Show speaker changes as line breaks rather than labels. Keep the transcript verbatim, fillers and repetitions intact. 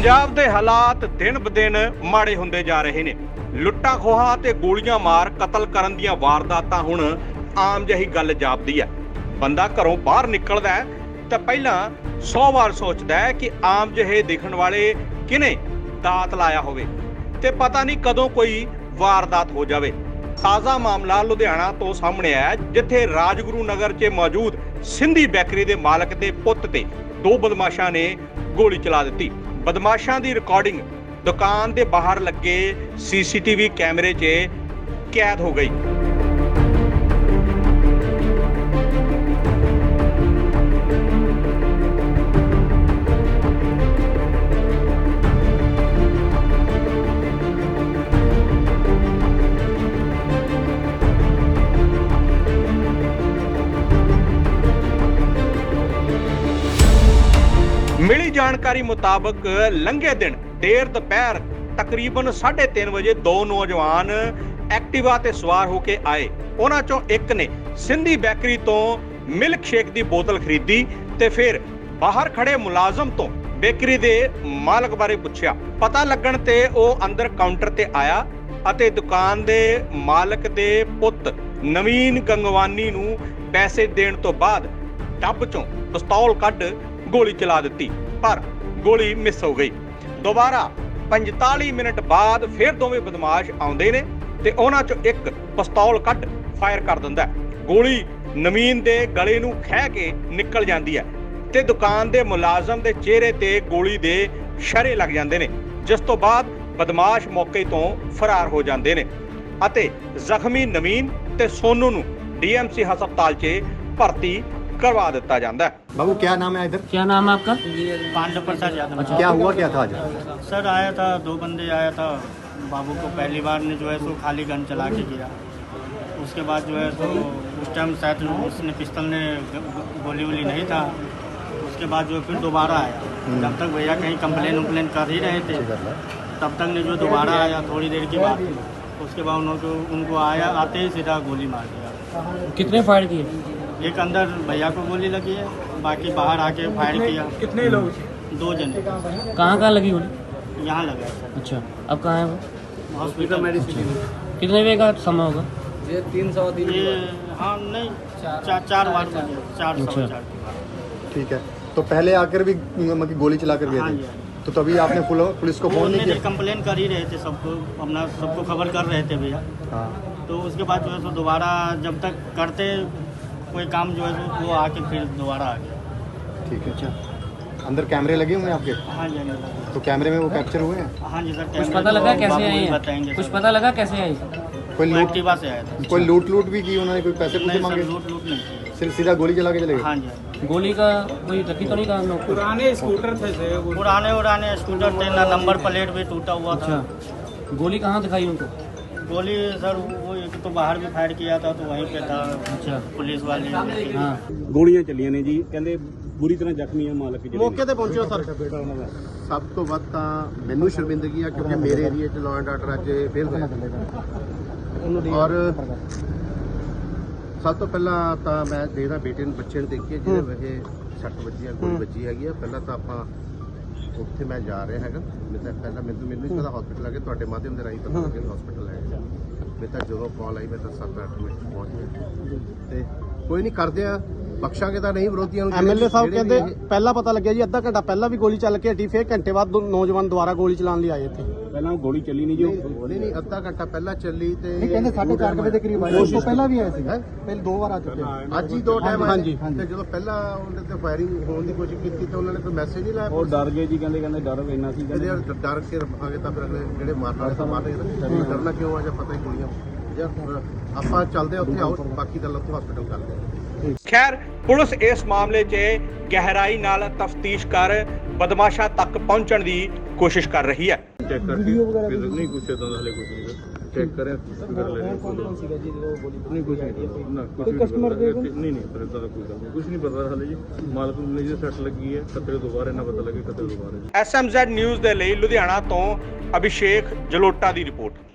ਪੰਜਾਬ ਦੇ ਹਾਲਾਤ ਦਿਨ ਬ ਦਿਨ ਮਾੜੇ ਹੁੰਦੇ ਜਾ ਰਹੇ ਨੇ। ਲੁੱਟਾਂ ਖੋਹਾਂ ਤੇ ਗੋਲੀਆਂ ਮਾਰ ਕਤਲ ਕਰਨ ਦੀਆਂ ਵਾਰਦਾਤਾਂ ਹੁਣ ਆਮ ਜਿਹੀ ਗੱਲ ਜਾਪਦੀ ਹੈ। ਬੰਦਾ ਘਰੋਂ ਬਾਹਰ ਨਿਕਲਦਾ ਹੈ ਤਾਂ ਪਹਿਲਾਂ ਸੌ ਵਾਰ ਸੋਚਦਾ ਹੈ ਕਿ ਆਮ ਜਿਹੇ ਦਿਖਣ ਵਾਲੇ ਕਿਨੇ ਦਾਤ ਲਾਇਆ ਹੋਵੇ ਤੇ ਪਤਾ ਨਹੀਂ ਕਦੋਂ ਕੋਈ ਵਾਰਦਾਤ ਹੋ ਜਾਵੇ। ਤਾਜ਼ਾ ਮਾਮਲਾ ਲੁਧਿਆਣਾ ਤੋਂ ਸਾਹਮਣੇ ਆਇਆ, ਜਿੱਥੇ ਰਾਜਗੁਰੂ ਨਗਰ 'ਚ ਮੌਜੂਦ ਸਿੰਧੀ ਬੇਕਰੀ ਦੇ ਮਾਲਕ ਦੇ ਪੁੱਤ ਤੇ ਦੋ ਬਦਮਾਸ਼ਾਂ ਨੇ ਗੋਲੀ ਚਲਾ ਦਿੱਤੀ। ਬਦਮਾਸ਼ਾਂ ਦੀ ਰਿਕਾਰਡਿੰਗ ਦੁਕਾਨ ਦੇ ਬਾਹਰ ਲੱਗੇ ਸੀਸੀਟੀਵੀ ਕੈਮਰੇ 'ਚ ਕੈਦ ਹੋ ਗਈ। ਮਿਲੀ ਜਾਣਕਾਰੀ ਮੁਤਾਬਕ ਲੰਘੇ ਦਿਨ ਦੇਰ ਦੁਪਹਿਰ ਤਕਰੀਬਨ ਸਾਢੇ ਤਿੰਨ ਵਜੇ ਦੋ ਨੌਜਵਾਨ ਐਕਟਿਵਾ ਤੇ ਸਵਾਰ ਹੋ ਕੇ ਆਏ। ਉਹਨਾਂ ਚੋਂ ਇੱਕ ਨੇ ਸਿੰਧੀ ਬੇਕਰੀ ਤੋਂ ਮਿਲਕ ਸ਼ੇਕ ਦੀ ਬੋਤਲ ਖਰੀਦੀ ਤੇ ਫਿਰ ਬਾਹਰ ਖੜੇ ਮੁਲਾਜ਼ਮ ਤੋਂ ਬੇਕਰੀ ਦੇ ਮਾਲਕ ਬਾਰੇ ਪੁੱਛਿਆ। ਪਤਾ ਲੱਗਣ ਤੇ ਉਹ ਅੰਦਰ ਕਾਊਂਟਰ ਤੇ ਆਇਆ ਅਤੇ ਦੁਕਾਨ ਦੇ ਮਾਲਕ ਦੇ ਪੁੱਤ ਨਵੀਨ ਗੰਗਵਾਨੀ ਨੂੰ ਪੈਸੇ ਦੇਣ ਤੋਂ ਬਾਅਦ ਡੱਬ ਚੋਂ ਪਿਸਤੌਲ ਕੱਢ ਗੋਲੀ ਚਲਾ ਦਿੱਤੀ, ਪਰ ਗੋਲੀ ਮਿਸ ਹੋ ਗਈ। ਦੁਬਾਰਾ ਪੰਤਾਲੀ ਮਿੰਟ ਬਾਅਦ ਫਿਰ ਦੋਵੇਂ ਬਦਮਾਸ਼ ਆਉਂਦੇ ਨੇ ਤੇ ਉਹਨਾਂ ਚੋਂ ਇੱਕ ਪਿਸਤੌਲ ਕੱਢ ਫਾਇਰ ਕਰ ਦਿੰਦਾ। ਗੋਲੀ ਨਵੀਨ ਦੇ ਗਲੇ ਨੂੰ ਖਹਿ ਕੇ ਨਿਕਲ ਜਾਂਦੀ ਹੈ ਤੇ ਦੁਕਾਨ ਦੇ ਮੁਲਾਜ਼ਮ ਦੇ ਚਿਹਰੇ ਤੇ ਗੋਲੀ ਦੇ ਸ਼ਰੇ ਲੱਗ ਜਾਂਦੇ ਨੇ, ਜਿਸ ਤੋਂ ਬਾਅਦ ਬਦਮਾਸ਼ ਮੌਕੇ ਤੋਂ ਫਰਾਰ ਹੋ ਜਾਂਦੇ ਨੇ ਅਤੇ ਜ਼ਖਮੀ ਨਵੀਨ ਤੇ ਸੋਨੂ ਨੂੰ ਡੀਐਮਸੀ ਹਸਪਤਾਲ 'ਚ ਭਰਤੀ करवा दिता जाता है।
बाबू क्या नाम है इधर?
क्या नाम है आपका?
पांडव प्रसाद यादव।
अच्छा, क्या हुआ क्या था आज?
सर आया था, दो बंदे आया था, बाबू को पहली बार ने जो है सो खाली गन चला के गिरा। उसके बाद जो है सो उस टाइम शायद उसने पिस्तल ने गोली वोली नहीं था। उसके बाद जो फिर दोबारा आया, जब तक भैया कहीं कंप्लेन उम्प्लेन कर ही रहे थे तब तक ने जो दोबारा आया थोड़ी देर की बात। उसके बाद उनको उनको आया आते ही सीधा गोली मार दिया।
कितने फायर किए?
एक अंदर भैया को गोली लगी है, बाकी बाहर आके फायर किया।
कितने लोग?
दो जने।
कहाँ कहाँ लगी गोली?
यहाँ लगा है सर।
अच्छा, अब कहाँ है वो?
Hospital medicine.
कितने बजे का समय होगा?
ये तीन सौ तीन ये हाँ नहीं चार चार बार बजे चार सौ चार।
ठीक है, तो पहले आकर भी मतलब गोली चला कर गए
हाँ
थे,
जी।
तो तभी आपने पुल- पुलिस को फोन नहीं किया?
कंप्लेन कर ही रहे थे, सबको अपना सबको खबर कर रहे थे भैया।
हाँ,
तो उसके बाद जो है सो दोबारा जब तक करते कोई काम जो है सो वो आके फिर दोबारा आ गया।
ठीक है। अच्छा, अंदर कैमरे लगे हुए हैं आपके?
हाँ जी हाँ जी।
तो कैमरे में वो कैप्चर हुए हैं?
हाँ जी सर।
कुछ पता लगा कैसे
बाबू
आई
ही
है?
बताएंगे
कुछ
सर।
पता लगा कैसे आई?
कोई लूट
एक्टिवा से आया था।
कोई लूट लूट भी की उन्होंने? कोई पैसे पूसे
नहीं
मांगे?
सर, लूट लूट नहीं की।
सिर्फ सीधा गोली चला के चले गए?
हाँ जी हाँ जी।
गोली का कोई रखी तो नहीं कहा लोग?
पुराने स्कूटर थे से वो
पुराने उराने स्कूटर थे ना, नंबर प्लेट भी टूटा हुआ था।
अच्छा, गोली कहाँ दिखाई उनको?
गोली सर वो एक तो बाहर भी फायर किया था तो वहीं पे था।
अच्छा,
पुलिस वाले
हाँ।
ਗੋਲੀਆਂ ਚੱਲੀਆਂ ਨੇ ਜੀ, ਕਹਿੰਦੇ ਬੁਰੀ ਤਰ੍ਹਾਂ ਜ਼ਖਮੀ ਆ ਮਾਲਕ ਜਿਹੜੇ
ਮੌਕੇ ਤੇ ਪਹੁੰਚਿਓ ਸਰ।
ਬੇਟਾ ਉਹਨਾਂ ਦਾ।
ਸਭ ਤੋਂ ਵੱਧ ਤਾਂ ਮੈਨੂੰ ਸ਼ਰਮਿੰਦਗੀ ਆ, ਕਿਉਂਕਿ ਮੇਰੇ ਏਰੀਆ 'ਚ ਲਾਅ ਐਂਡ ਆਰਡਰ ਅੱਜ ਫੇਲ ਹੋਇਆ। ਔਰ ਸਭ ਤੋਂ ਪਹਿਲਾਂ ਤਾਂ ਮੈਂ ਦੇਖਦਾ ਬੇਟੇ ਨੂੰ ਬੱਚੇ ਨੂੰ ਦੇਖੀਏ ਜਿਹਦੇ ਵਜੇ ਸੱਟ ਵੱਜੀ ਆ, ਗੋਲੀ ਵੱਜੀ ਹੈਗੀ ਆ। ਪਹਿਲਾਂ ਤਾਂ ਆਪਾਂ ਉੱਥੇ ਮੈਂ ਜਾ ਰਿਹਾ ਹੈਗਾ। ਮੈਂ ਤਾਂ ਪਹਿਲਾਂ ਮੈਨੂੰ ਮੈਨੂੰ ਨਹੀਂ ਪਤਾ ਹਸਪੀਟਲ ਆ ਕੇ ਤੁਹਾਡੇ ਮਾਧਿਅਮ ਦੇ ਰਾਹੀਂ ਪਤਾ ਲੱਗਿਆ ਹਸਪੀਟਲ ਹੈ। ਮੈਂ ਤਾਂ ਜਦੋਂ ਕਾਲ ਆਈ ਮੈਂ ਤਾਂ ਸੱਤ ਅੱਠ ਮਿੰਟ ਪਹੁੰਚ ਗਿਆ ਤੇ ਕੋਈ ਨਹੀਂ ਕਰਦੇ ਆ, ਬਖਸ਼ਾਂਗੇ ਤਾਂ ਨਹੀਂ ਵਿਰੋਧੀਆਂ ਨੂੰ।
ਐਮਐਲਏ ਸਾਹਿਬ ਕਹਿੰਦੇ ਪਹਿਲਾਂ ਪਤਾ ਲੱਗਿਆ ਜੀ, ਅੱਧਾ ਘੰਟਾ ਪਹਿਲਾਂ ਵੀ ਗੋਲੀ ਚੱਲ ਕੇ ਹਟੀ, ਫਿਰ ਘੰਟੇ ਬਾਅਦ ਦੋ ਨੌਜਵਾਨ ਦੁਬਾਰਾ ਗੋਲੀ ਚਲਾਉਣ ਲਈ ਆਏ ਇੱਥੇ।
ਪਹਿਲਾਂ ਗੋਲੀ ਚੱਲੀ ਨਹੀਂ ਜੀ, ਉਹ
ਨਹੀਂ ਨਹੀਂ ਅੱਧਾ ਘੰਟਾ ਪਹਿਲਾਂ ਚੱਲੀ ਤੇ
ਕਹਿੰਦੇ ਸਾਢੇ ਚਾਰ ਵਜੇ ਦੇ ਕਰੀਬ ਆਏ, ਉਸ ਤੋਂ ਪਹਿਲਾਂ ਵੀ ਆਏ ਸੀ, ਪਹਿਲੇ ਦੋ ਵਾਰ ਆ ਚੁੱਕੇ ਆ।
ਅੱਜ ਹੀ ਦੋ ਟਾਈਮ ਆਏ
ਹਾਂਜੀ,
ਨੇ।
ਹਾਂਜੀ।
ਤੇ ਜਦੋਂ ਪਹਿਲਾਂ ਉਹਨਾਂ ਤੇ ਫਾਇਰਿੰਗ ਹੋਣ ਦੀ ਕੋਸ਼ਿਸ਼ ਕੀਤੀ ਤਾਂ ਉਹਨਾਂ ਨੇ ਕੋਈ ਮੈਸੇਜ ਨਹੀਂ ਲਾਇਆ।
ਉਹ ਡਰ ਗਏ ਜੀ, ਕਹਿੰਦੇ ਕਹਿੰਦੇ ਡਰ ਇੰਨਾ ਸੀ,
ਇਹਦੇ
ਕਹਿੰਦੇ
ਨਾਲ ਡਰ ਕੇ ਰਹਾਂਗੇ ਤਾਂ ਫਿਰ ਅਗਲੇ ਜਿਹੜੇ ਮਾਰਨ ਵਾਲੇ ਤਾਂ ਮਾਰਨਗੇ। ਡਰਨਾ ਕਿਉਂ ਆ, ਜਾਂ ਪਤਾ ਹੀ ਗੋਲੀਆਂ ਜਾਂ ਆਪਾਂ ਚੱਲਦੇ ਆ ਉੱਥੇ, ਆਓ ਬਾਕੀ ਗੱਲ ਉੱਥੇ ਹਸਪੀਟਲ ਕਰਦੇ ਆ।
ਖੈਰ, ਪੁਲਿਸ ਇਸ ਮਾਮਲੇ 'ਚ ਗਹਿਰਾਈ ਨਾਲ ਤਫਤੀਸ਼ ਕਰ ਬਦਮਾਸ਼ਾਂ ਤੱਕ ਪਹੁੰਚਣ ਦੀ ਕੋਸ਼ਿਸ਼ ਕਰ ਰਹੀ ਹੈ।
ਚੈੱਕ ਕਰਕੇ ਫਿਰ ਨਹੀਂ ਕੁਛ ਤਾਂ ਹਲੇ ਕੁਛ ਨਹੀਂ ਚੈੱਕ ਕਰਿਆ ਕਰ ਲੈ ਰਹੇ
ਕੌਣ ਸੀਗਾ ਜੀ ਜਦੋਂ ਗੋਲੀ
ਨਹੀਂ ਕੁਛ ਨਹੀਂ ਨਾ ਕੁਛ
ਕਸਟਮਰ ਦੇ
ਨਹੀਂ ਨਹੀਂ ਪਰ ਇਦਾਂ ਦਾ ਕੋਈ ਗੱਲ ਨਹੀਂ, ਕੁਛ ਨਹੀਂ ਪਤਾ ਹਲੇ ਜੀ। ਮਾਲਕ ਨੂੰ ਨਹੀਂ ਸੱਟ ਲੱਗੀ ਹੈ, ਕਤਰੇ ਦੁਬਾਰਾ ਇਹਨਾਂ ਪਤਾ ਲੱਗੇ ਕਤਰੇ ਦੁਬਾਰਾ।
ਐਸ ਐਮ ਜ਼ੈਡ ਨਿਊਜ਼ ਦੇ ਲਈ ਲੁਧਿਆਣਾ ਤੋਂ ਅਭਿਸ਼ੇਕ ਜਲੋਟਾ ਦੀ ਰਿਪੋਰਟ।